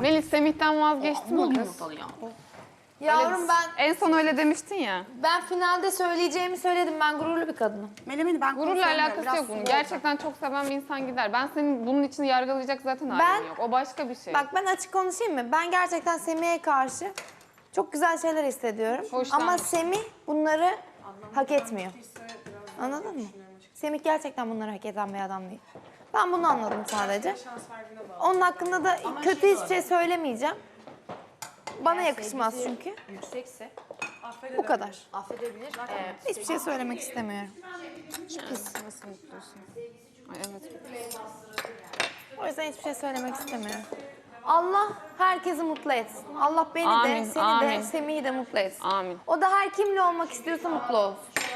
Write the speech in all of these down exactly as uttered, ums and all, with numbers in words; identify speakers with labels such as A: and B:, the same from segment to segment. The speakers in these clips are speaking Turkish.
A: Melis Semih'ten vazgeçtin mi kız?
B: Yavrum ben
A: En son öyle demiştin ya.
B: ben finalde söyleyeceğimi söyledim. Ben gururlu bir kadınım.
C: Melemeni ben
A: Gururla
C: konuşamıyorum,
A: alakası
C: biraz
A: yok bunun.
C: sulu
A: Gerçekten çok seven bir insan gider. Ben senin bunun için yargılayacak zaten
B: Ben-
A: halim yok. O başka bir şey.
B: Bak ben açık konuşayım mı? Ben gerçekten Semih'e karşı çok güzel şeyler hissediyorum.
A: Hoşlanmış.
B: Ama Semih bunları hak etmiyor. Anladın mı? Semih gerçekten bunları hak eden bir adam değil. Ben bunu anladım sadece. Onun hakkında da kötü hiçbir şey söylemeyeceğim. Bana yakışmaz çünkü.
D: Yüksekse
B: Bu kadar.
D: affedebilir. Ee,
B: Hiçbir şey söylemek istemiyorum.
A: Nasıl mutlusun? Ay evet.
B: O yüzden hiçbir şey söylemek istemiyorum. Allah herkesi mutlu etsin. Allah beni
A: Amin,
B: de, seni
A: amin.
B: de, Semih'i de mutlu etsin.
A: Amin.
B: O da her kimle olmak istiyorsa mutlu olsun.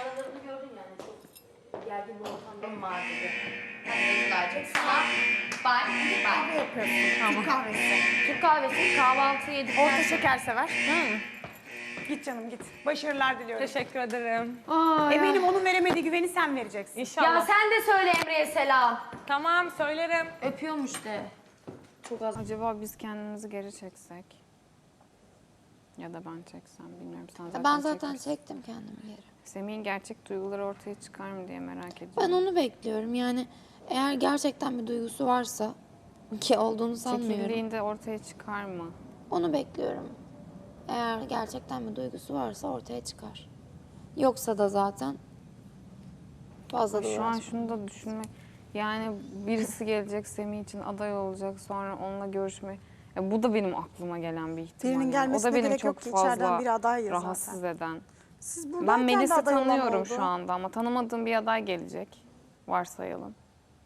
D: gergin bir ortamda var dedi. Hani verecek sana. Bay, bay.
C: yapıyorsun. Türk kahvesi.
D: Türk kahvesi kahvaltı yedik.
C: Orta şeker sever. Git canım git. Başarılar diliyorum.
E: Teşekkür ederim.
A: Aa, ya.
C: Eminim onun veremediği güveni sen vereceksin.
E: İnşallah.
D: Ya sen de söyle Emre'ye selam.
E: Tamam söylerim.
D: Öpüyormuş de. Çok az.
A: Acaba biz kendimizi geri çeksek? Ya da ben çeksem bilmiyorum. Sen zaten
F: Ben zaten
A: çekmişsin.
F: çektim kendimi geri.
A: Semih'in gerçek duyguları ortaya çıkar mı diye merak ediyorum.
F: Ben onu bekliyorum. Yani eğer gerçekten bir duygusu varsa ki olduğunu sanmıyorum.
A: Çekildiğinde ortaya çıkar mı?
F: Onu bekliyorum. Eğer gerçekten bir duygusu varsa ortaya çıkar. Yoksa da zaten fazla da
A: Şu an
F: uğraşmam.
A: şunu da düşünmek, yani birisi gelecek Semih için aday olacak, sonra onunla görüşme. Ya bu da benim aklıma gelen bir ihtimal.
C: Birinin
A: yani.
C: gelmesine
A: O da beni
C: gerek
A: çok
C: yok ki, içeriden
A: fazla
C: biri aday ya
A: rahatsız
C: zaten.
A: eden.
C: Siz
A: Ben
C: buradayken de
A: Melis'i
C: aday olan
A: tanıyorum
C: oldu.
A: şu anda ama tanımadığım bir aday gelecek. Varsayalım.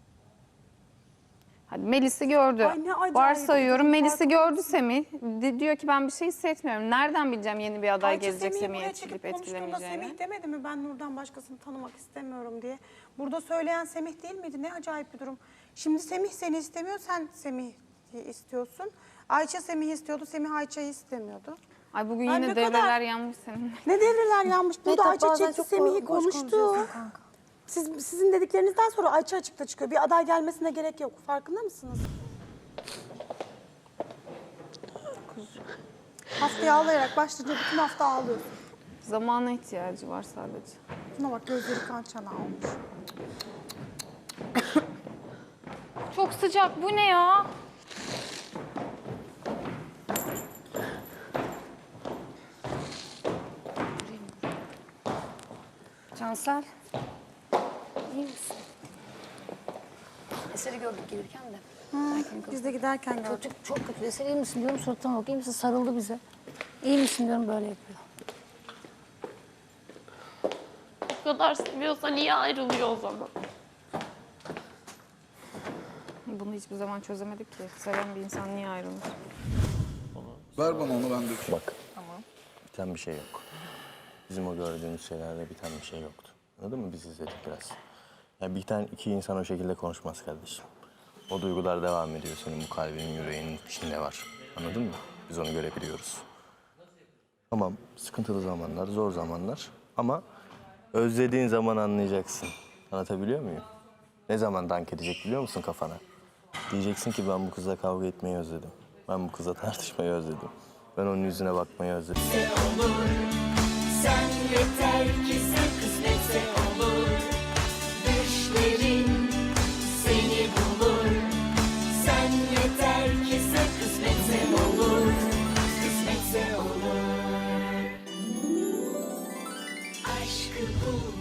A: Hadi Melis'i gördü.
C: Ay ne acayip.
A: Varsayıyorum Melis'i
C: Farklı
A: gördü Semih. Di- diyor ki ben bir şey hissetmiyorum. Nereden bileceğim yeni bir aday
C: Ayça
A: gelecek
C: Semih'i
A: Semih'i
C: buraya
A: etkileyip
C: çekip konuştuğunda
A: etkilemeyeceğini?
C: Semih demedi mi ben Nur'dan başkasını tanımak istemiyorum diye. Burada söyleyen Semih değil miydi? Ne acayip bir durum. Şimdi Semih seni istemiyor, sen Semih'i istiyorsun. Ayça Semih'i istiyordu, Semih Ayça'yı istemiyordu.
A: Ay bugün
C: Ay
A: yine
C: ne
A: devreler
C: kadar-
A: yanmış senin.
C: Ne devreler yanmış. Burada
F: Mehtap,
C: Ayça
F: bazen
C: çekti
F: çok
C: Semih'i
F: boş
C: konuştu.
F: konuşuyorsun kanka.
C: Siz, sizin dediklerinizden sonra Ayça açıkta çıkıyor. Bir aday gelmesine gerek yok. Farkında mısınız? Haftaya ağlayarak başlayınca bütün hafta ağlıyorsun.
A: Zamana ihtiyacı var sadece.
C: Şuna bak gözleri kan çanağı olmuş.
E: Çok sıcak. Bu ne ya?
D: Cansel. İyi misin? Eseri gördük gelirken de.
C: Biz de giderken gördük.
D: Çok, çok kötü. Eser iyi misin diyorum suratına bak. İyi misin? Sarıldı bize. İyi misin diyorum böyle yapıyor.
G: Bu kadar seviyorsa niye ayrılıyor o zaman?
A: Bunu hiçbir zaman çözemedik ki. Seven bir insan niye ayrılır?
H: Ver bana onu ben dökeyim.
I: Bak. Biten bir şey yok. Bizim o gördüğümüz şeylerde biten bir şey yoktu. Anladın mı? Biz izledik biraz. Ya biten iki insan o şekilde konuşmaz kardeşim. O duygular devam ediyor. Senin bu kalbinin, yüreğinin içinde var. Anladın mı? Biz onu görebiliyoruz. Tamam, sıkıntılı zamanlar, zor zamanlar. Ama özlediğin zaman anlayacaksın. Anlatabiliyor muyum? Ne zaman dank edecek biliyor musun kafana? Diyeceksin ki ben bu kızla kavga etmeyi özledim. Ben bu kızla tartışmayı özledim. Ben onun yüzüne bakmayı özledim.
J: Sen yeter ki sen kısmetse olur. Düşlerin seni bulur. Sen yeter ki sen kısmetse olur. Kısmetse olur. Aşkı bul.